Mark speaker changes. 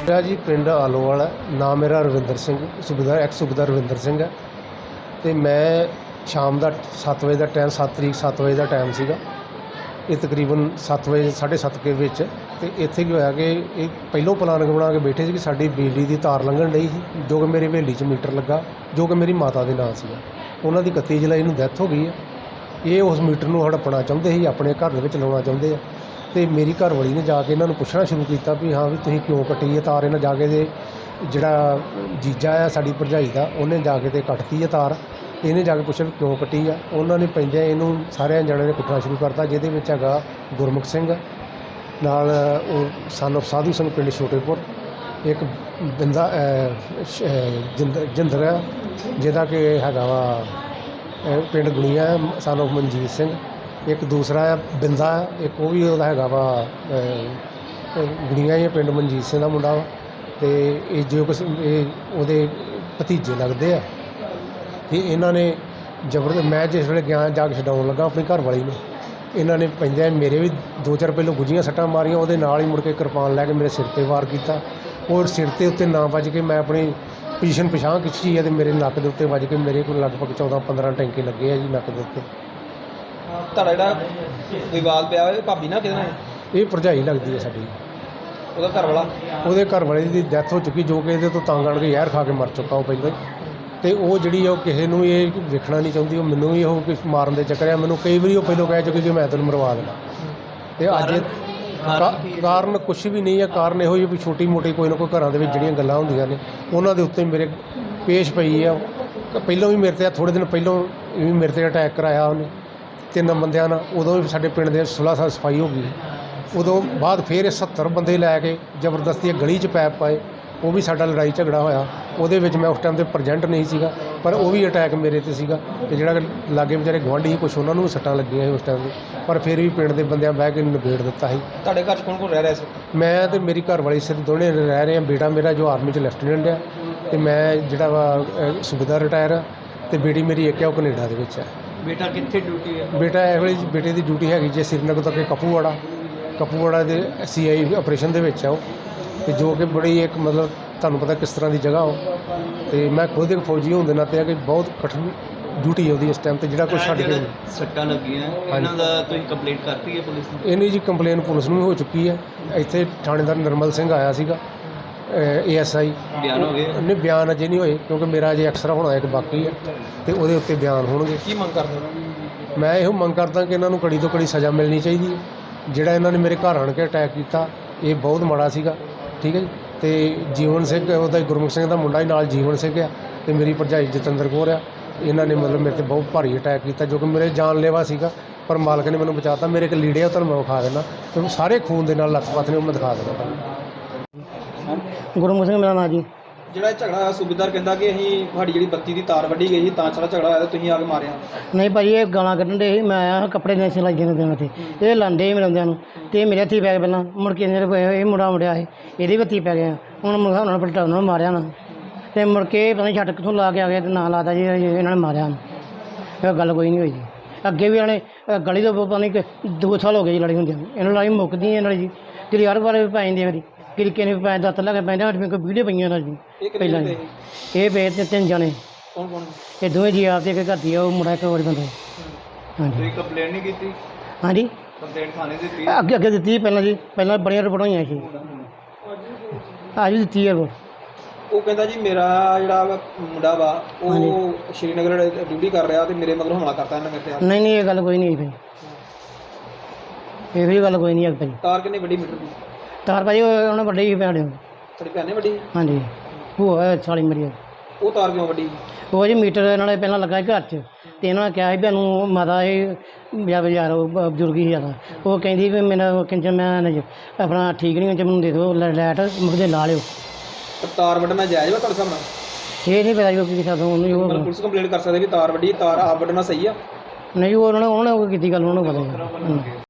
Speaker 1: ਮੇਰਾ ਜੀ ਪਿੰਡ ਆਲੋਵਾਲ ਹੈ। ਨਾਮ ਮੇਰਾ ਰਵਿੰਦਰ ਸਿੰਘ ਸੂਬੇਦਾਰ ਐਕਸ ਸੂਬੇਦਾਰ ਰਵਿੰਦਰ ਸਿੰਘ ਹੈ ਅਤੇ ਮੈਂ ਸ਼ਾਮ ਦਾ 7 ਵਜੇ ਦਾ ਟਾਈਮ 7 ਤਰੀਕ 7 ਵਜੇ ਦਾ ਟਾਈਮ ਸੀਗਾ। ਇਹ ਤਕਰੀਬਨ 7 ਵਜੇ 7:30 ਦੇ ਵਿੱਚ ਅਤੇ ਇੱਥੇ ਕੀ ਹੋਇਆ ਕਿ ਇਹ ਪਹਿਲੋਂ ਪਲਾਨਿੰਗ ਬਣਾ ਕੇ ਬੈਠੇ ਸੀ ਕਿ ਸਾਡੀ ਬਿਜਲੀ ਦੀ ਤਾਰ ਲੰਘਣ ਡਈ ਸੀ, ਜੋ ਕਿ ਮੇਰੀ ਹਵੇਲੀ 'ਚ ਮੀਟਰ ਲੱਗਾ, ਜੋ ਕਿ ਮੇਰੀ ਮਾਤਾ ਦੇ ਨਾਂ ਸੀਗਾ। ਉਹਨਾਂ ਦੀ 31 ਜੁਲਾਈ ਨੂੰ ਡੈਥ ਹੋ ਗਈ ਹੈ। ਇਹ ਉਸ ਮੀਟਰ ਨੂੰ ਹੜੱਪਣਾ ਚਾਹੁੰਦੇ ਸੀ, ਆਪਣੇ ਘਰ ਦੇ ਵਿੱਚ ਲਾਉਣਾ ਚਾਹੁੰਦੇ ਆ। ਅਤੇ ਮੇਰੀ ਘਰਵਾਲੀ ਨੇ ਜਾ ਕੇ ਇਹਨਾਂ ਨੂੰ ਪੁੱਛਣਾ ਸ਼ੁਰੂ ਕੀਤਾ ਵੀ ਹਾਂ ਵੀ ਤੁਸੀਂ ਕਿਉਂ ਕੱਟੀ ਹੈ ਤਾਰ। ਇਹਨਾਂ ਜਾ ਕੇ ਦੇ ਜਿਹੜਾ ਜੀਜਾ ਆ ਸਾਡੀ ਭਰਜਾਈ ਦਾ, ਉਹਨੇ ਜਾ ਕੇ ਤੇ ਕੱਟਤੀ ਹੈ ਤਾਰ। ਇਹਨੇ ਜਾ ਕੇ ਪੁੱਛਿਆ ਵੀ ਕਿਉਂ ਕੱਟੀ ਆ। ਉਹਨਾਂ ਨੇ ਪੈਂਦਿਆਂ ਇਹਨੂੰ ਸਾਰਿਆਂ ਜਣਿਆਂ ਨੇ ਕੁੱਟਣਾ ਸ਼ੁਰੂ ਕਰਤਾ, ਜਿਹਦੇ ਵਿੱਚ ਹੈਗਾ ਗੁਰਮੁਖ ਸਿੰਘ ਨਾਲ, ਉਹ ਸਨ ਸਾਧੂ ਸਿੰਘ ਪਿੰਡ ਛੋਟੇਪੁਰ, ਇੱਕ ਬਿੰਦਾ ਜਿੰਦਰ ਆ ਜਿਹਦਾ ਕਿ ਹੈਗਾ ਵਾ ਪਿੰਡ ਗੁਣੀਆ ਸਨ ਆਫ ਮਨਜੀਤ ਸਿੰਘ, ਇੱਕ ਦੂਸਰਾ ਆ ਬਿੰਦਾ, ਇੱਕ ਉਹ ਵੀ ਉਹਦਾ ਹੈਗਾ ਵਾ ਗੁਣੀਆ ਹੀ ਪਿੰਡ ਮਨਜੀਤ ਸਿੰਘ ਦਾ ਮੁੰਡਾ ਵਾ। ਅਤੇ ਇਹ ਜੋ ਕੁਛ ਇਹ ਉਹਦੇ ਭਤੀਜੇ ਲੱਗਦੇ ਆ। ਅਤੇ ਇਹਨਾਂ ਨੇ ਮੈਂ ਜਿਸ ਵੇਲੇ ਗਿਆ ਜਾ ਕੇ ਛਡਾਉਣ ਲੱਗਾ ਆਪਣੀ ਘਰਵਾਲੀ ਨੂੰ, ਇਹਨਾਂ ਨੇ ਪੈਂਦਿਆਂ ਮੇਰੇ ਵੀ 2-4 ਪਹਿਲੋਂ ਗੁੱਝੀਆਂ ਸੱਟਾਂ ਮਾਰੀਆਂ। ਉਹਦੇ ਨਾਲ ਹੀ ਮੁੜ ਕੇ ਕਿਰਪਾਨ ਲੈ ਕੇ ਮੇਰੇ ਸਿਰ 'ਤੇ ਵਾਰ ਕੀਤਾ। ਔਰ ਸਿਰ ਦੇ ਉੱਤੇ ਨਾ ਵੱਜ ਕੇ ਮੈਂ ਆਪਣੀ ਪੋਜੀਸ਼ਨ ਪਛਾਣ ਖਿੱਚੀ ਹੈ ਅਤੇ ਮੇਰੇ ਨੱਕ ਦੇ ਉੱਤੇ ਵੱਜ ਕੇ ਮੇਰੇ ਕੋਲ ਲਗਭਗ 14-15 ਟੈਂਕੇ ਲੱਗੇ ਆ ਜੀ ਨੱਕ ਦੇ ਉੱਤੇ।
Speaker 2: ਤੁਹਾਡਾ ਜਿਹੜਾ ਵਿਵਾਦ ਪਿਆ ਹੋਇਆ ਭਾਬੀ ਨਾਲ ਕਿਹਦੇ ਨਾਲ?
Speaker 1: ਇਹ ਭਰਜਾਈ ਲੱਗਦੀ ਹੈ ਸਾਡੀ।
Speaker 2: ਉਹਦਾ ਘਰ ਵਾਲਾ? ਉਹਦੇ
Speaker 1: ਘਰ ਵਾਲੇ ਦੀ ਡੈਥ ਹੋ ਚੁੱਕੀ, ਜੋ ਕਿ ਇਹਦੇ ਤੋਂ ਤੰਗ ਆਣ ਕੇ ਜ਼ਹਿਰ ਖਾ ਕੇ ਮਰ ਚੁੱਕਾ ਉਹ ਪਹਿਲਾਂ ਹੀ। ਅਤੇ ਉਹ ਜਿਹੜੀ ਉਹ ਕਿਸੇ ਨੂੰ ਇਹ ਵੇਖਣਾ ਨਹੀਂ ਚਾਹੁੰਦੀ, ਉਹ ਮੈਨੂੰ ਵੀ ਉਹ ਮਾਰਨ ਦੇ ਚੱਕਰ ਆ। ਮੈਨੂੰ ਕਈ ਵਾਰੀ ਉਹ ਪਹਿਲਾਂ ਕਹਿ ਚੁੱਕੀ ਕਿ ਮੈਂ ਤੈਨੂੰ ਮਰਵਾ ਦੇਣਾ। ਅਤੇ ਅੱਜ ਕਾਰਨ ਕੁਛ ਵੀ ਨਹੀਂ ਹੈ। ਕਾਰਨ ਇਹੋ ਜਿਹੀ ਵੀ ਛੋਟੀ ਮੋਟੀ ਕੋਈ ਨਾ ਕੋਈ ਘਰਾਂ ਦੇ ਵਿੱਚ ਜਿਹੜੀਆਂ ਗੱਲਾਂ ਹੁੰਦੀਆਂ ਨੇ ਉਹਨਾਂ ਦੇ ਉੱਤੇ ਮੇਰੇ ਪੇਸ਼ ਪਈ ਆ। ਪਹਿਲਾਂ ਵੀ ਮੇਰੇ 'ਤੇ ਥੋੜ੍ਹੇ ਦਿਨ ਪਹਿਲਾਂ ਵੀ ਮੇਰੇ 'ਤੇ ਅਟੈਕ ਕਰਾਇਆ ਉਹਨੇ 3 ਬੰਦਿਆਂ ਨਾਲ। ਉਦੋਂ ਵੀ ਸਾਡੇ ਪਿੰਡ ਦੇ 16 ਸਾਲ ਸਫਾਈ ਹੋ ਗਈ। ਉਦੋਂ ਬਾਅਦ ਫਿਰ ਇਹ 70 ਬੰਦੇ ਲੈ ਕੇ ਜ਼ਬਰਦਸਤੀ ਗਲੀ 'ਚ ਪੈਪ ਪਾਏ। ਉਹ ਵੀ ਸਾਡਾ ਲੜਾਈ ਝਗੜਾ ਹੋਇਆ। ਉਹਦੇ ਵਿੱਚ ਮੈਂ ਉਸ ਟਾਈਮ 'ਤੇ ਪ੍ਰੈਜੈਂਟ ਨਹੀਂ ਸੀਗਾ, ਪਰ ਉਹ ਵੀ ਅਟੈਕ ਮੇਰੇ 'ਤੇ ਸੀਗਾ। ਅਤੇ ਜਿਹੜਾ ਲਾਗੇ ਵਿਚਾਰੇ ਗੁਆਂਢੀ ਸੀ ਕੁਛ ਉਹਨਾਂ ਨੂੰ ਵੀ ਸੱਟਾਂ ਲੱਗੀਆਂ ਸੀ ਉਸ ਟਾਈਮ 'ਤੇ, ਪਰ ਫਿਰ ਵੀ ਪਿੰਡ ਦੇ ਬੰਦਿਆਂ ਬਹਿ ਕੇ ਨਿਬੇੜ ਦਿੱਤਾ ਸੀ।
Speaker 2: ਤੁਹਾਡੇ ਘਰ 'ਚ ਕੌਣ ਕੌਣ ਰਹਿ ਰਿਹਾ ਸੀ?
Speaker 1: ਮੈਂ ਅਤੇ ਮੇਰੀ ਘਰਵਾਲੀ ਸਿਰ ਦੋਨੇ ਰਹਿ ਰਹੇ ਹਾਂ। ਬੇਟਾ ਮੇਰਾ ਜੋ ਆਰਮੀ 'ਚ ਲੈਫਟੀਨੈਂਟ ਆ, ਅਤੇ ਮੈਂ ਜਿਹੜਾ ਵਾ ਸੂਬੇਦਾਰ ਰਿਟਾਇਰ ਆ, ਅਤੇ ਬੇਟੀ ਮੇਰੀ ਇੱਕ ਆ ਉਹ ਕੈਨੇਡਾ ਦੇ ਵਿੱਚ ਹੈ।
Speaker 2: ਬੇਟਾ ਕਿੱਥੇ ਡਿਊਟੀ ਹੈ?
Speaker 1: ਬੇਟਾ ਇਹ ਵੇਲੇ ਬੇਟੇ ਦੀ ਡਿਊਟੀ ਹੈਗੀ ਜੇ ਸ੍ਰੀਨਗਰ ਤੱਕ ਕਪੂਵਾੜਾ ਦੇ CI ਆਪਰੇਸ਼ਨ ਦੇ ਵਿੱਚ ਆ ਉਹ। ਅਤੇ ਜੋ ਕਿ ਬੜੀ ਇੱਕ ਮਤਲਬ ਤੁਹਾਨੂੰ ਪਤਾ ਕਿਸ ਤਰ੍ਹਾਂ ਦੀ ਜਗ੍ਹਾ ਉਹ। ਅਤੇ ਮੈਂ ਖੁਦ ਇੱਕ ਫੌਜੀ ਹੋਣ ਦੇ ਨਾਤੇ ਆ ਕਿ ਬਹੁਤ ਕਠਿਨ ਡਿਊਟੀ ਹੈ ਉਹਦੀ ਇਸ ਟਾਈਮ 'ਤੇ, ਜਿਹੜਾ ਕੁਛ ਛੱਡ ਕੇ
Speaker 2: ਸੱਟਾਂ ਲੱਗੀਆਂ ਇਹਨਾਂ ਦਾ ਤੁਸੀਂ ਕੰਪਲੇਂਟ ਕਰਤੀ ਹੈ ਪੁਲਿਸ ਨੂੰ?
Speaker 1: ਇਹਨੇ ਜੀ ਕੰਪਲੇਨ ਪੁਲਿਸ ਨੂੰ ਵੀ ਹੋ ਚੁੱਕੀ ਹੈ। ਇੱਥੇ ਥਾਣੇਦਾਰ ਨਿਰਮਲ ਸਿੰਘ ਆਇਆ ਸੀਗਾ, ASI।
Speaker 2: ਬਿਆਨ ਹੋ ਗਏ?
Speaker 1: ਨਹੀਂ, ਬਿਆਨ ਅਜੇ ਨਹੀਂ ਹੋਏ ਕਿਉਂਕਿ ਮੇਰਾ ਅਜੇ ਐਕਸਰਾ ਹੋਣਾ ਇੱਕ ਬਾਕੀ ਹੈ, ਅਤੇ ਉਹਦੇ ਉੱਤੇ ਬਿਆਨ ਹੋਣਗੇ।
Speaker 2: ਕੀ ਮੰਗ ਕਰਦੇ ਹੋ?
Speaker 1: ਮੈਂ ਇਹੋ ਮੰਗ ਕਰਦਾ ਕਿ ਇਹਨਾਂ ਨੂੰ ਕੜੀ ਤੋਂ ਕੜੀ ਸਜ਼ਾ ਮਿਲਣੀ ਚਾਹੀਦੀ ਹੈ। ਜਿਹੜਾ ਇਹਨਾਂ ਨੇ ਮੇਰੇ ਘਰ ਆਣ ਕੇ ਅਟੈਕ ਕੀਤਾ ਇਹ ਬਹੁਤ ਮਾੜਾ ਸੀਗਾ, ਠੀਕ ਹੈ ਜੀ। ਅਤੇ ਜੀਵਨ ਸਿੰਘ ਉਹਦਾ ਗੁਰਮੁਖ ਸਿੰਘ ਦਾ ਮੁੰਡਾ ਹੀ ਨਾਲ ਜੀਵਨ ਸਿੰਘ ਆ, ਅਤੇ ਮੇਰੀ ਭਰਜਾਈ ਜਤਿੰਦਰ ਕੌਰ ਆ। ਇਹਨਾਂ ਨੇ ਮਤਲਬ ਮੇਰੇ 'ਤੇ ਬਹੁਤ ਭਾਰੀ ਅਟੈਕ ਕੀਤਾ, ਜੋ ਕਿ ਮੇਰੇ ਜਾਨਲੇਵਾ ਸੀਗਾ, ਪਰ ਮਾਲਕ ਨੇ ਮੈਨੂੰ ਬਚਾਤਾ। ਮੇਰੇ ਇੱਕ ਲੀੜੇ ਆ ਉਹ ਤੁਹਾਨੂੰ ਮੈਂ ਵਿਖਾ ਦੇਣਾ, ਅਤੇ ਸਾਰੇ ਖੂਨ ਦੇ ਨਾਲ ਲੱਥਪੱਥ ਨੇ ਉਹ ਮੈਂ ਦਿਖਾ ਦੇਣਾ ਤੁਹਾਨੂੰ।
Speaker 3: ਗੁਰਮੁਖ ਸਿੰਘ ਮੇਰਾ ਨਾਂ ਜੀ।
Speaker 2: ਜਿਹੜਾ ਝਗੜਾ ਸੂਬੇਦਾਰ ਕਹਿੰਦਾ ਕਿ ਅਸੀਂ ਤੁਹਾਡੀ ਜਿਹੜੀ ਬੱਤੀ ਦੀ ਤਾਰ ਵੱਢੀ ਗਈ ਸੀ ਤਾਂ ਸਾਰਾ ਝਗੜਾ ਹੋਇਆ, ਤੁਸੀਂ ਆ ਕੇ ਮਾਰਿਆ?
Speaker 3: ਨਹੀਂ ਭਾਜੀ, ਇਹ ਗਾਲਾਂ ਕੱਢਣ ਦੇ ਸੀ। ਮੈਂ ਆਇਆ ਕੱਪੜੇ ਦੇ ਸਿਲਾਈ ਦੇਣ 'ਤੇ, ਇਹ ਲਾਂਦੇ ਸੀ ਮੇਰੇ ਬੰਦਿਆਂ ਨੂੰ, ਅਤੇ ਮੇਰੇ ਹੱਥੀ ਪੈ ਗਏ ਪਹਿਲਾਂ। ਮੁੜ ਕੇ ਇਹ ਮੁੰਡਾ ਮੁੜਿਆ ਸੀ, ਇਹਦੇ ਵੀ ਹੱਥੀ ਪੈ ਗਿਆ। ਹੁਣ ਉਹਨਾਂ ਨੇ ਪਲਟਾ ਉਹਨਾਂ ਨੂੰ ਮਾਰਿਆ ਨਾ, ਅਤੇ ਮੁੜ ਕੇ ਪਤਾ ਨਹੀਂ ਛੱਟ ਕਿੱਥੋਂ ਲਾ ਕੇ ਆ ਗਿਆ ਅਤੇ ਨਾਂ ਲਾਤਾ ਜੀ ਇਹਨਾਂ ਨੇ ਮਾਰਿਆ। ਇਹ ਗੱਲ ਕੋਈ ਨਹੀਂ ਹੋਈ ਜੀ। ਅੱਗੇ ਵੀ ਇਹਨਾਂ ਨੇ ਗਲੀ ਤੋਂ ਪਤਾ ਨਹੀਂ 2 ਸਾਲ ਹੋ ਗਏ ਜੀ ਲੜੀ ਹੁੰਦੀ। ਇਹਨਾਂ ਲੜਾਈ ਮੁੱਕਦੀ ਇਹਨਾਂ ਦੀ ਜੀ, ਜਿਹੜੀ ਹਰ ਵਾਰ ਵੀ ਪੈ ਜਾਂਦੀ ਮੇਰੀ ਕਿਰਕੇ ਨੇ ਪੈ ਦੱਤ ਲਾ ਕੇ ਪੈਂਦਾ। ਸਾਡੇ ਕੋਲ ਵੀਡੀਓ ਪਈਆਂ ਇਹਨਾਂ ਦੀ ਪਹਿਲਾਂ ਜੀ। ਇਹ ਪਏ 3 ਜਣੇ।
Speaker 2: ਕੌਣ ਕੌਣ?
Speaker 3: ਇਹ ਦੋਵੇਂ ਜੀ ਆਪ ਤੇ ਇੱਕ ਘਰ ਦੀ ਆ, ਉਹ ਮੁੰਡਾ ਇੱਕ ਹੋਰ ਬੰਦਾ। ਹਾਂਜੀ।
Speaker 2: ਤੁਸੀਂ ਕੰਪਲੇਂਟ ਨਹੀਂ ਕੀਤੀ?
Speaker 3: ਹਾਂਜੀ,
Speaker 2: ਕੰਪਲੇਂਟ ਥਾਣੇ ਦਿੱਤੀ?
Speaker 3: ਅੱਗੇ ਦਿੱਤੀ ਪਹਿਲਾਂ ਜੀ, ਪਹਿਲਾਂ ਬੜੀਆਂ ਰਿਪੋਰਟਾਂ ਹੋਈਆਂ ਸੀ। ਅੱਜ ਵੀ ਦਿੱਤੀ ਹੈ ਰਿਪੋਰਟ।
Speaker 2: ਉਹ ਕਹਿੰਦਾ ਜੀ ਮੇਰਾ ਜਿਹੜਾ ਮੁੰਡਾ ਵਾ ਉਹ ਸ਼੍ਰੀਨਗਰ ਡਿਊਟੀ ਕਰ ਰਿਹਾ ਅਤੇ ਮੇਰੇ ਮਗਰ ਹਮਲਾ ਕਰਤਾ ਇਹਨਾਂ ਮੇਰੇ 'ਤੇ।
Speaker 3: ਨਹੀਂ, ਇਹ ਗੱਲ ਕੋਈ ਨਹੀਂ ਭਾਈ, ਇਹ ਵੀ ਗੱਲ ਕੋਈ ਨਹੀਂ ਹੈ ਭਾਈ।
Speaker 2: ਤਾਰ ਕਿੰਨੀ ਵੱਡੀ ਮੀਟਰ ਦੀ?
Speaker 3: ਤਾਰ ਭਾਜੀ ਉਹਨੇ ਵੱਡੀ ਸੀ ਭੈਣ।
Speaker 2: ਤੁਹਾਡੀ ਭੈਣ ਨੇ ਵੱਡੀ?
Speaker 3: ਹਾਂਜੀ, ਉਹ ਸਾਲੀ ਮੇਰੀ।
Speaker 2: ਉਹ ਤਾਰ ਕਿਉਂ ਵੱਡੀ?
Speaker 3: ਉਹ ਜੀ ਮੀਟਰ ਇਹਨਾਂ ਨੇ ਪਹਿਲਾਂ ਲੱਗਾ ਘਰ 'ਚ, ਅਤੇ ਇਹਨਾਂ ਨੇ ਕਿਹਾ ਸੀ ਵੀ ਇਹਨੂੰ ਮਾਤਾ ਇਹ ਬਾਜ਼ਾਰ ਬਜ਼ੁਰਗ ਹੀ ਜ਼ਿਆਦਾ, ਉਹ ਕਹਿੰਦੀ ਵੀ ਮੇਰਾ ਕਿੰਜਰ ਮੈਂ ਆਪਣਾ ਠੀਕ ਨਹੀਂ ਹੁੰਦਾ, ਮੈਨੂੰ ਦੇ ਦਿਓ ਲਾਈਟ ਮੁਕਦੇ ਲਾ ਲਿਓ।
Speaker 2: ਤਾਰ ਵੱਢਣਾ ਜਾਇਜ਼ ਵਾ ਤੁਹਾਡੇ ਹਿਸਾਬ ਨਾਲ?
Speaker 3: ਇਹ ਨਹੀਂ ਪਤਾ ਜੀ ਉਹ ਕੀ ਕਰਦਾ ਉਹਨੂੰ।
Speaker 2: ਪੁਲਿਸ ਕੰਪਲੇਂਟ ਕਰ ਸਕਦੇ ਵੀ ਤਾਰ ਵੱਢੀ, ਤਾਰ ਆਪ ਵੱਢਣਾ ਸਹੀ ਆ?
Speaker 3: ਨਹੀਂ, ਉਹਨਾਂ ਨੇ ਕੀਤੀ ਗੱਲ, ਉਹਨਾਂ ਨੂੰ ਪਤਾ।